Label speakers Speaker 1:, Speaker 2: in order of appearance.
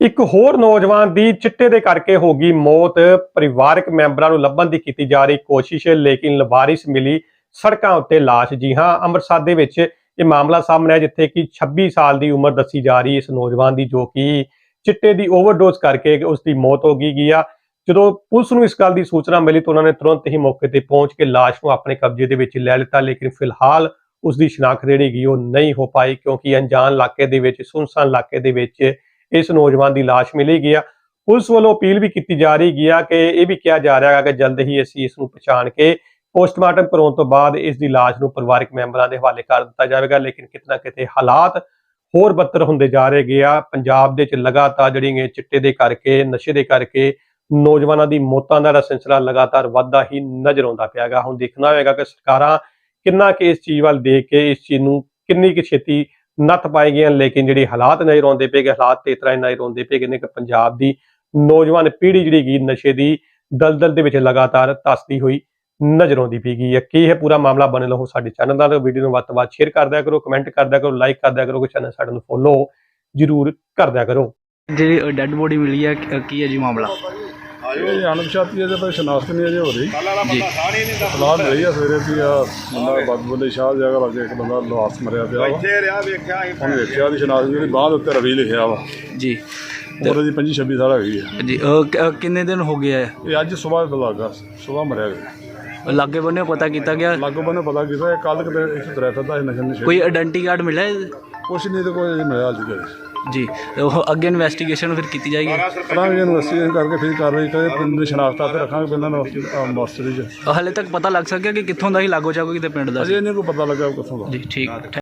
Speaker 1: ਇੱਕ ਹੋਰ ਨੌਜਵਾਨ ਦੀ ਚਿੱਟੇ ਦੇ ਕਰਕੇ ਹੋ ਗਈ ਮੌਤ। ਪਰਿਵਾਰਕ ਮੈਂਬਰਾਂ ਨੂੰ ਲੱਭਣ ਦੀ ਕੀਤੀ ਜਾ ਰਹੀ ਕੋਸ਼ਿਸ਼, ਲੇਕਿਨ ਲਵਾਰਿਸ ਮਿਲੀ ਸੜਕਾਂ ਉੱਤੇ ਲਾਸ਼। ਜੀ ਹਾਂ, ਅੰਮ੍ਰਿਤਸਰ ਦੇ ਵਿੱਚ ਇਹ ਮਾਮਲਾ ਸਾਹਮਣੇ ਆਇਆ, ਜਿੱਥੇ ਕਿ 26 ਸਾਲ ਦੀ ਉਮਰ ਦੱਸੀ ਜਾ ਰਹੀ ਇਸ ਨੌਜਵਾਨ ਦੀ, ਜੋ ਕਿ ਚਿੱਟੇ ਦੀ ਓਵਰਡੋਜ਼ ਕਰਕੇ ਉਸ ਦੀ ਮੌਤ ਹੋ ਗਈ ਆ। ਜਦੋਂ ਪੁਲਿਸ ਨੂੰ ਇਸ ਗੱਲ ਦੀ ਸੂਚਨਾ ਮਿਲੀ ਤਾਂ ਉਹਨਾਂ ਨੇ ਤੁਰੰਤ ਹੀ ਮੌਕੇ ਤੇ ਪਹੁੰਚ ਕੇ ਲਾਸ਼ ਨੂੰ ਆਪਣੇ ਕਬਜ਼ੇ ਦੇ ਵਿੱਚ ਲੈ ਲਿੱਤਾ, ਲੇਕਿਨ ਫਿਲਹਾਲ ਉਸ ਦੀ ਸ਼ਨਾਖਤ ਜਿਹੜੀ ਗਈ ਉਹ ਨਹੀਂ ਹੋ ਪਾਈ, ਕਿਉਂਕਿ ਅਣਜਾਣ ਇਲਾਕੇ ਦੇ ਵਿੱਚ, ਸੁੰਨਸਾਨ ਇਲਾਕੇ ਦੇ ਵਿੱਚ ਇਸ ਨੌਜਵਾਨ ਦੀ ਲਾਸ਼ ਮਿਲੀ ਗਈ ਆ। ਪੁਲਿਸ ਵੱਲੋਂ ਅਪੀਲ ਵੀ ਕੀਤੀ ਜਾ ਰਹੀ ਹੈ ਕਿ ਇਹ ਵੀ ਕਿਹਾ ਜਾ ਰਿਹਾ ਹੈ ਕਿ ਜਲਦ ਹੀ ਅਸੀਂ ਇਸ ਨੂੰ ਪਛਾਣ ਕੇ ਪੋਸਟਮਾਰਟਮ ਕਰਾਉਣ ਤੋਂ ਬਾਅਦ ਇਸ ਦੀ ਲਾਸ਼ ਨੂੰ ਪਰਿਵਾਰਕ ਮੈਂਬਰਾਂ ਦੇ ਹਵਾਲੇ ਕਰ ਦਿੱਤਾ ਜਾਵੇਗਾ। ਲੇਕਿਨ ਕਿਤੇ ਨਾ ਕਿਤੇ ਹਾਲਾਤ ਹੋਰ ਬੱਤਰ ਹੁੰਦੇ ਜਾ ਰਹੇ ਆ। ਪੰਜਾਬ ਦੇ ਵਿੱਚ ਲਗਾਤਾਰ ਜਿਹੜੀਆਂ ਚਿੱਟੇ ਦੇ ਕਰਕੇ, ਨਸ਼ੇ ਦੇ ਕਰਕੇ ਨੌਜਵਾਨਾਂ ਦੀ ਮੌਤਾਂ ਦਾ ਸਿਲਸਿਲਾ ਲਗਾਤਾਰ ਵੱਧਦਾ ਹੀ ਨਜ਼ਰ ਆਉਂਦਾ ਪਿਆ ਗਾ। ਹੁਣ ਦੇਖਣਾ ਹੋਵੇਗਾ ਕਿ ਸਰਕਾਰਾਂ ਕਿੰਨਾ ਕਿ ਇਸ ਚੀਜ਼ ਵੱਲ ਦੇਖ ਕੇ ਇਸ ਚੀਜ਼ ਨੂੰ ਕਿੰਨੀ ਕੁ ਛੇਤੀ ਨੱਥ ਪਾਏ ਗਏ ਹਨ। ਲੇਕਿਨ ਜਿਹੜੀ ਹਾਲਾਤ ਨਜ਼ਰ ਆਉਂਦੇ ਪਏ, ਹਾਲਾਤ ਤੇ ਇਸ ਤਰ੍ਹਾਂ ਨਜ਼ਰ ਆਉਂਦੇ ਪਏ ਨੇ ਕਿ ਪੰਜਾਬ ਦੀ ਨੌਜਵਾਨ ਪੀੜ੍ਹੀ ਜਿਹੜੀ ਗਈ ਨਸ਼ੇ ਦੀ ਦਲਦਲ ਦੇ ਵਿੱਚ ਲਗਾਤਾਰ ਧੱਸਦੀ ਹੋਈ ਨਜ਼ਰ ਆਉਂਦੀ ਪਈ ਹੈ। ਕੀ ਹੈ ਪੂਰਾ ਮਾਮਲਾ? ਬਣੇ ਰਹੋ ਸਾਡੇ ਚੈਨਲ ਨਾਲ, ਵੀਡੀਓ ਨੂੰ ਵੱਧ ਤੋਂ ਵੱਧ ਸ਼ੇਅਰ ਕਰ ਦਿਆ ਕਰੋ, ਕਮੈਂਟ ਕਰ ਦਿਆ ਕਰੋ, ਲਾਈਕ ਕਰ ਦਿਆ ਕਰੋ, ਚੈਨਲ ਸਾਡੇ ਨੂੰ ਫੋਲੋ ਜ਼ਰੂਰ ਕਰ ਦਿਆ ਕਰੋ।
Speaker 2: ਜਿਹੜੀ ਡੈੱਡ ਬੋਡੀ ਮਿਲੀ ਹੈ ਕੀ ਹੈ ਜੀ ਮਾਮਲਾ?
Speaker 3: ਇਹ ਅਣਪਛਾਤੀ ਹੈ, ਪਰ ਸ਼ਨਾਖਤ ਨਹੀਂ ਅਜੇ ਹੋ ਰਹੀ
Speaker 2: ਜੀ
Speaker 3: ਸਲਾਹ ਮਿਲੀ ਆ ਸਵੇਰੇ ਵੀ ਆ ਬੰਦਾ ਬਦਬੁੱਲੇ ਸ਼ਾਹ ਜਗ੍ਹਾ ਲੱਗੇ ਇੱਕ ਬੰਦਾ ਲਾਸ ਮਰਿਆ ਪਿਆ ਵਾ। ਹੁਣ ਵੇਖਿਆ ਦੀ ਸ਼ਨਾਖਤ ਜਿਹੜੀ ਬਾਂਹ ਦੇ ਉੱਤੇ ਰਵੀ ਲਿਖਿਆ ਵਾ
Speaker 2: ਜੀ।
Speaker 3: ਉਹਦੇ ਦੀ 25-26 ਸਾਲ ਹੈਗੀ ਆ
Speaker 2: ਜੀ ਕਿੰਨੇ ਦਿਨ ਹੋ ਗਏ ਹੈ?
Speaker 3: ਇਹ ਅੱਜ ਸਵੇਰ ਦਾ ਲੱਗਾ, ਸਵੇਰ ਮਰਿਆ ਗਿਆ।
Speaker 2: ਲਾਗੇ ਬੰਨੇ ਪਤਾ ਕੀਤਾ ਗਿਆ?
Speaker 3: ਲਾਗੋ ਬੰਨੇ ਪਤਾ ਕੀਤਾ ਇਹ ਕੱਲ੍ਹ ਕਿਤੇ ਇੱਕ ਤੁਰਿਆ ਫਿਰਦਾ ਸੀ ਨਸ਼ੇ ਨਸ਼ੇ।
Speaker 2: ਕੋਈ ਆਇਡੈਂਟੀ ਕਾਰਡ ਮਿਲਿਆ?
Speaker 3: ਕੁਛ ਨਹੀਂ ਤੇ ਕੋਈ ਅਜੇ ਮਿਲਿਆ ਅੱਜ ਕੱਲ੍ਹ
Speaker 2: ਜੀ। ਉਹ ਅੱਗੇ ਇਨਵੈਸਟੀਗੇਸ਼ਨ ਫਿਰ ਕੀਤੀ ਜਾਏਗੀ?
Speaker 3: ਕਰਾਂਗੇ ਇਨਵੈਸਟੀਗੇਸ਼ਨ ਕਰਕੇ ਫਿਰ ਕਾਰਵਾਈ ਕਰੇ। ਪਿੰਡ ਦੀ ਸ਼ਨਾਖਤ ਆਪੇ ਰੱਖਾਂਗੇ ਪਹਿਲਾਂ ਮੋਸਟਰੀ 'ਚ।
Speaker 2: ਹਾਲੇ ਤੱਕ ਪਤਾ ਲੱਗ ਸਕਿਆ ਕਿ ਕਿੱਥੋਂ ਦਾ ਹੀ ਲਾਗੋ ਚਾਗੋ ਕਿਤੇ ਪਿੰਡ ਦਾ?
Speaker 3: ਅਜੇ ਨਹੀਂ ਕੋਈ ਪਤਾ ਲੱਗਾ ਕਿੱਥੋਂ ਦਾ।
Speaker 2: ਜੀ ਠੀਕ।